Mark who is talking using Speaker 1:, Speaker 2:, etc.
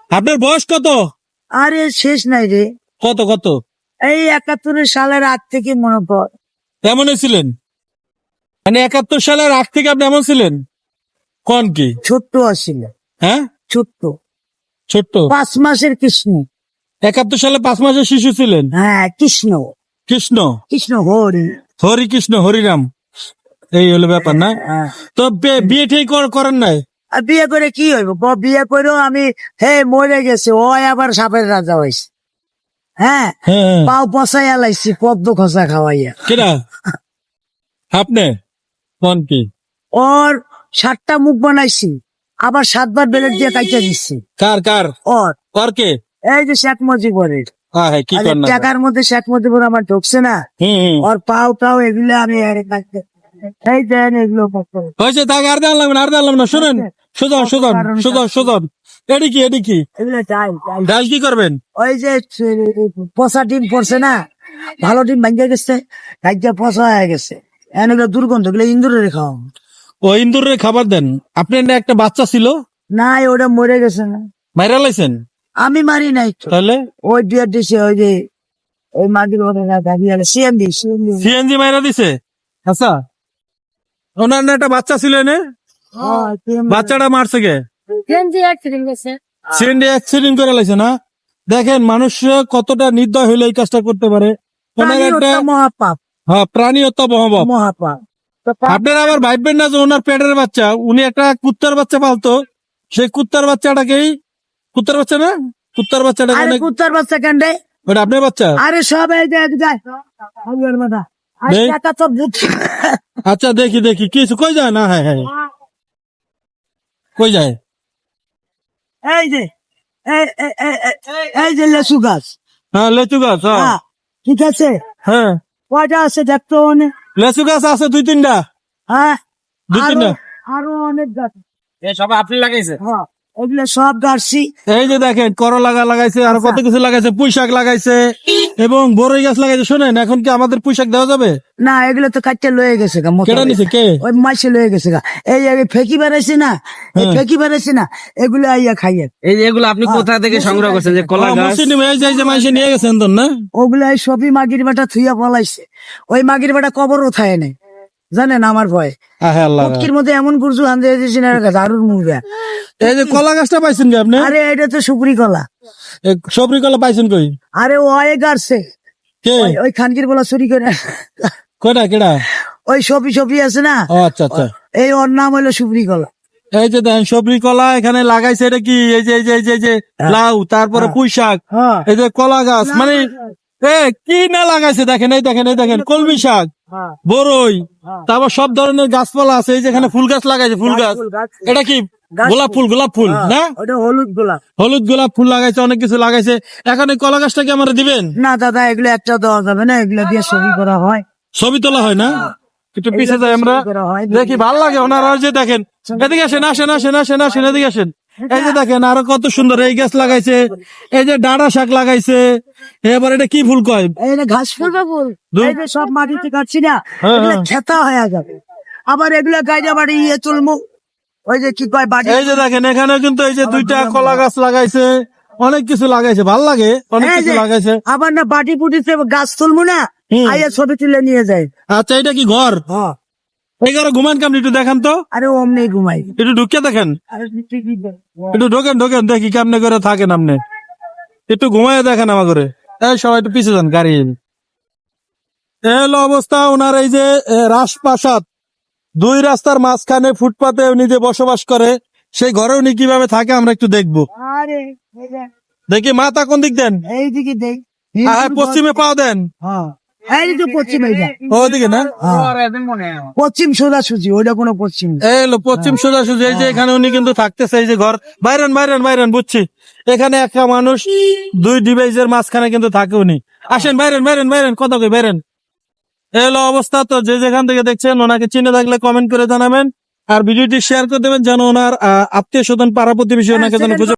Speaker 1: আপনার বয়স কত?
Speaker 2: আরে শেষ নাই রে,
Speaker 1: কত কত?
Speaker 2: এই 71 সালের আগ থেকে মনে পড়।
Speaker 1: এমনই ছিলেন? মানে 71 সালের আগ থেকে আপনি এমন ছিলেন? কোন কি?
Speaker 2: ছোট্ট আসছিল,
Speaker 1: হ্যাঁ,
Speaker 2: ছোট্ট
Speaker 1: ছোট্ট।
Speaker 2: 5 মাসের কৃষ্ণ।
Speaker 1: 71 সালে 5 মাসের শিশু ছিলেন?
Speaker 2: হ্যাঁ, কৃষ্ণ
Speaker 1: কৃষ্ণ,
Speaker 2: কৃষ্ণ হরি।
Speaker 1: হরি কৃষ্ণ হরিরাম, এই হলো ব্যাপার না?
Speaker 2: হ্যাঁ।
Speaker 1: তো বিয়ে ঠিক করেন নাই?
Speaker 2: আর বিয়ে করে কি হইব? বিয়ে করেও আমি মরে গেছে, ও আবার সাপের রাজা হয়েছে। হ্যাঁ,
Speaker 1: হ্যাঁ হ্যাঁ।
Speaker 2: পাও পচাইয়া লাইছি পদ্ম খসা খাওয়াইয়া।
Speaker 1: কেডা আপনি? কোন কি?
Speaker 2: ওর 7টা মুখ বানাইছি, আবার 7বার বেলেট দিয়ে কাইটা দিচ্ছি।
Speaker 1: কার কার?
Speaker 2: ওর
Speaker 1: কার কে?
Speaker 2: এই যে শেখ মুজিবুরের
Speaker 1: হ্যাঁ হ্যাঁ, কি
Speaker 2: আরে
Speaker 1: করেন না?
Speaker 2: টাকার মধ্যে শেখ মুজিবুর আমার ঢুকছে না,
Speaker 1: হুম।
Speaker 2: ওর পাও টাও এগুলো আমি এই দেন এগুলো
Speaker 1: হয়েছে, তাকে আর দেওয়া লাগবে না, আর দেওয়া লাগবে না। শুনেন, সুজন সুজন সুজন সুজন, এডি কি এডি কি?
Speaker 2: এগুলো চাই।
Speaker 1: ডাল কি করবেন?
Speaker 2: ওই যে পচা ডিম পড়ছে না, ভালো ডিম ভাঙ্গে গেছে, গাইজা পচা হয়ে গেছে, এগুলো দুর্গন্ধ, এগুলো ইন্দুরের খাও।
Speaker 1: ও ইন্দুরের খাবার দেন? আপনার না একটা বাচ্চা ছিল,
Speaker 2: না ওটা মরে গেছে না,
Speaker 1: মাইরা লাইছেন?
Speaker 2: আমি মারি নাই তো।
Speaker 1: তাহলে
Speaker 2: ওই বিয়ার দিছে, ওই যে ওই মাগির ওরে না গাড়ি আলে সিএমডি
Speaker 1: সিএনজি মাইরা দিছে? আচ্ছা, ওনার না একটা বাচ্চা ছিল এনে, বাচ্চাটা মারছে কে? সিএনজি অ্যাক্সিডেন্ট করে লাইছে না? দেখেন মানুষ কতটা নির্দয় হইলে এই কাজটা করতে পারে। ওনার একটা
Speaker 2: মহাপাপ,
Speaker 1: হ্যাঁ, প্রাণী হত্যা মহাপাপ।
Speaker 2: মহাপাপ।
Speaker 1: আপনারা আবার ভাববেন না যে ওনার পেটের বাচ্চা, উনি একটা কুত্তার বাচ্চা পালতো, সেই কুত্তার বাচ্চাটাকেই, কুত্তার বাচ্চা না, কুত্তার বাচ্চাটাকে
Speaker 2: আরে
Speaker 1: অনেক,
Speaker 2: কুত্তার বাচ্চা কেন্ডে?
Speaker 1: ওটা আপনার বাচ্চা?
Speaker 2: আরে সব এই যে যায় হালুয়ার মাথা আর
Speaker 1: নেই?
Speaker 2: টাকা তো বুঝছি।
Speaker 1: আচ্ছা দেখি দেখি কিছু কই যায় না? হ্যাঁ হ্যাঁ, কই যায়?
Speaker 2: এই যে এই যে লেসু গাছ।
Speaker 1: হ্যাঁ, লেচু গাছ। হ্যাঁ
Speaker 2: হ্যাঁ, ঠিক আছে,
Speaker 1: হ্যাঁ,
Speaker 2: কয়টা আছে দেখতো অনেক।
Speaker 1: লেচু গাছ আছে 2-3টা।
Speaker 2: হ্যাঁ,
Speaker 1: 2-3টা।
Speaker 2: আরো অনেক গাছ।
Speaker 1: সব আপনি লাগাইছে?
Speaker 2: হ্যাঁ, এগুলো সব গাছছি।
Speaker 1: এই যে দেখেন করলা লাগাইছে, আর কত কিছু লাগাইছে, পুঁই শাক লাগাইছে এবং বড়ই গাছ লাগাইছে। শোনেন, এখন কি আমাদের পুঁই শাক দেওয়া যাবে?
Speaker 2: না, এগুলো তো কাটতে লয়ে গেছে গা,
Speaker 1: কেটে নিছে কে?
Speaker 2: ওই মাসে লয়ে গেছে গা। এই ফেঁকি বেড়াইছে না, এই ফেঁকি বেড়াইছে না, এগুলো আইয়া খাইয়ে।
Speaker 3: এই যে এগুলো আপনি কোথা থেকে সংগ্রহ করছেন? যে কলা গাছ?
Speaker 1: মুসলিম এই যে মাইসে নিয়ে গেছেন তো না?
Speaker 2: ওগুলো এই সবই মাগির বেটা থুইয়া পলাইছে। ওই মাগির বেটা কবরও থায় নাই, জানেন আমার ভয়।
Speaker 1: হ্যাঁ আল্লাহ,
Speaker 2: উটকির মধ্যে এমন গুরজু হান দিয়ে দিয়েছি না, দারুণ মুভি।
Speaker 1: এই যে কলা গাছটা পাইছেন কি আপনি?
Speaker 2: আরে এটা তো সুপুরি কলা।
Speaker 1: সবরি কলা পাইছেন কই?
Speaker 2: আরে ও গাড়ছে,
Speaker 1: কে?
Speaker 2: ওই খানকির বলা চুরি করে।
Speaker 1: কয়টা কেডা?
Speaker 2: ওই সবি আছে না,
Speaker 1: ও আচ্ছা আচ্ছা।
Speaker 2: এই ওর নাম হইলো সুপুরি কলা।
Speaker 1: এই যে দেখেন সবরি কলা এখানে লাগাইছে, এটা কি? এই যে লাউ, তারপরে পুঁই শাক,
Speaker 2: হ্যাঁ,
Speaker 1: এই যে কলা গাছ, মানে কি না লাগাইছে দেখেন, এই দেখেন, এই দেখেন কলমি শাক,
Speaker 2: হ্যাঁ,
Speaker 1: বরই, তারপর সব ধরনের গাছপালা আছে। এই যেখানে ফুল গাছ লাগাইছে, ফুল গাছ, এটা কি? গোলাপ ফুল, গোলাপ ফুল না?
Speaker 2: ওটা হলুদ গোলাপ।
Speaker 1: হলুদ গোলাপ ফুল লাগাইছে, অনেক কিছু লাগাইছে। এখন এই কলা গাছটা কি আমরা দিবেন?
Speaker 2: না দাদা, এগুলো একটা দেওয়া যাবে না, এগুলো দিয়ে ছবি করা হয়।
Speaker 1: ছবি তোলা হয় না? একটু পিছিয়ে যাই আমরা, দেখি ভাল লাগে ওনারা। যে দেখেন, এদিকে আসেন, আসেন, এদিকে আসেন। এই যে দেখেন আরো কত সুন্দর এই গাছ লাগাইছে, এই যে ডাঁড়া শাক লাগাইছে। এবার এটা কি ফুল কয়?
Speaker 2: এই যে ঘাস ফুল বা ফুল, এই যে সব মাটিতে কাটছি না,
Speaker 1: হ্যাঁ,
Speaker 2: এগুলো
Speaker 1: হ্যাঁ।
Speaker 2: খেতা হয়ে যাবে। আবার এগুলো গাইজা বাড়ি তুলমু, ওই যে কি কয় বাড়ি।
Speaker 1: এই যে দেখেন এখানে কিন্তু এই যে 2টা কলা গাছ লাগাইছে, অনেক কিছু লাগাইছে, ভাল লাগে, অনেক
Speaker 2: এই
Speaker 1: কিছু
Speaker 2: যে,
Speaker 1: লাগাইছে।
Speaker 2: আবার না বাটি পুটিতে গাছ তুলমু না,
Speaker 1: হুম।
Speaker 2: আইয়া ছবি তুলে নিয়ে যায়।
Speaker 1: আচ্ছা, এটা কি ঘর?
Speaker 2: হ্যাঁ,
Speaker 1: এই ঘরে ঘুমান কেমন একটু দেখান তো,
Speaker 2: আরে অমনি ঘুমাই।
Speaker 1: একটু ঢুকিয়ে দেখেন,
Speaker 2: আরে ঠিকই তো।
Speaker 1: একটু ঢোকেন দেখি কেমনে করে থাকেন আপনি, একটু ঘুমাইয়ে দেখেন আমার ঘরে। এই সবাই একটু পিছিয়ে যান গাড়ি। এই হলো অবস্থা ওনার। এই যে রাজপ্রাসাদ, 2 রাস্তার মাঝখানে ফুটপাতে উনি যে বসবাস করে, সেই ঘরে উনি কিভাবে থাকে আমরা একটু দেখবো।
Speaker 2: আরে এই যে,
Speaker 1: দেখি মাথা কোন দিক দেন?
Speaker 2: এইদিকে দেখ।
Speaker 1: পশ্চিমে পাও দেন।
Speaker 2: হ্যাঁ, এই তো পশ্চিম, এইটা
Speaker 1: ওদিকে না?
Speaker 2: পশ্চিম সোজাসুজি, ওইটা কোনো পশ্চিম না।
Speaker 1: এই হলো পশ্চিম সোজাসুজি। এই যে এখানে উনি কিন্তু থাকতেছে, এই যে ঘর। বাইরেন বুঝছি। এখানে একটা মানুষ 2 ডিভাইসের মাঝখানে কিন্তু থাকে উনি। আসেন বাইরেন, কথা কই বাইরেন। এই হলো অবস্থা। তো যে যেখান থেকে দেখছেন, ওনাকে চিনে থাকলে কমেন্ট করে জানাবেন, আর ভিডিওটি শেয়ার করে দেবেন যেন ওনার আত্মীয় স্বজন, পাড়া প্রতিবেশী ওনাকে যেন খুঁজে